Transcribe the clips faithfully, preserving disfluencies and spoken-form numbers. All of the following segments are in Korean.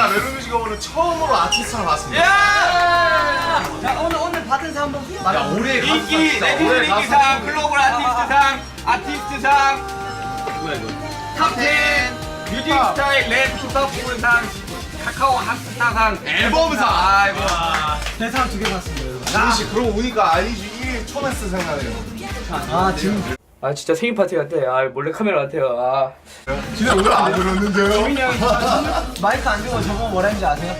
제가 멜로뮤직 어워드 처음으로 아티스트를 봤습니다. 야! 자 오늘 오늘 받은 상 한번 야 올해 인기 네티즌 인기상 글로벌 아티스트상 아티스트상 뭐야 이거 탑텐 뮤직 스타일 랩 힙합 부분상 카카오 핫스타상 앨범상. 아이고 대상 두 개 받습니다 여러분. 아니씨 그러고 보니까 아이지 일 초메스 생각나요. 아 지금 아 진짜 생일 파티 같아. 아 몰래 카메라 같아요. 아 진짜 오늘 안 들었는데요? 지민이 형이 마이크 안 주고 저거 뭐라 했는지 아세요?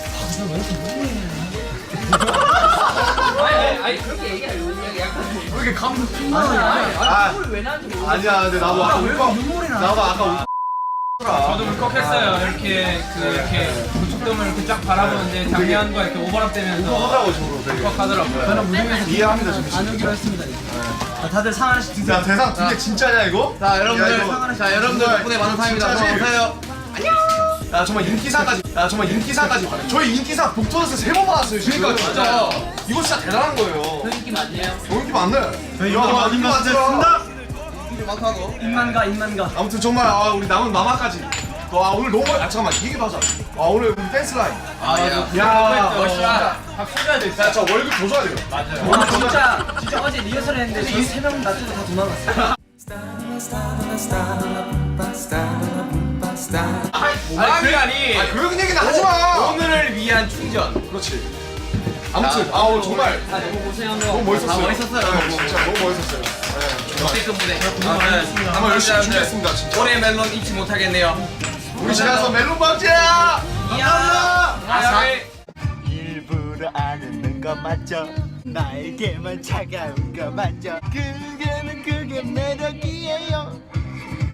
아니 아니 그렇게 얘기하려고 그냥 약간 왜 이렇게 감동 아 왜 나한테 뭐 아니야 근데 나도 아까 울컥 눈물이 나. 나도 아까 울컥 저도 울컥했어요. 이렇게 그 이렇게 우측돔을 이렇게 쫙 바라보는데 작년과 이렇게 오버랩되면서 하더라고 저로 되게 울컥하더라고요. 저는 무대에서 이해합니다 지금 안 오기로 했습니다 이제. 자, 다들 상 하나씩 드세요. 야 대상 두 개 진짜냐 이거? 자 여러분들 야, 이거 자 여러분들 정말 덕분에 많은 상입니다. 진짜지? 감사해요. 야 정말 인기상까지 야 정말 인기상까지 저희 인기상 북토너스 세 번 받았어요 지금. 그러니까 진짜. 이거 진짜 대단한 거예요. 인기 많네요. 너 인기 많네. 저희 야, 인기 인기 많습니다. 많습니다. 많다고. 입만가 입만가. 아무튼 정말 아, 우리 남은 마마까지 또, 아 오늘 너무 아 잠깐만 이 얘기도 하자. 아 오늘 우리 댄스 라인 아야. 야 멋있다. 박수 줘야 돼. 야, 저 월급 더 줘야 돼요. 맞아요. 아 진짜 진짜 어제 리허설 했는데 저희 세 명 놔두고 다 도망갔어요. 오락이라니. 아 그런 얘기는 하지 마. 오늘을 위한 충전. 그렇지. 아무튼 아 오늘 정말 너무 고생한 너무 거. 멋있었어요. 아, 멋있었어요, 네, 너무. 진짜 너무 멋있었어요. 네. 역대급 무대. 한번 열심히 준비했습니다 진짜. 올해 멜론 잊지 못하겠네요. 우리 집에서 멜론 방지야. 감사합니다. 아사. 일부러 안 웃는 거 맞죠? 나에게만 차가운 거 맞죠? 그게는 그게 매력이에요.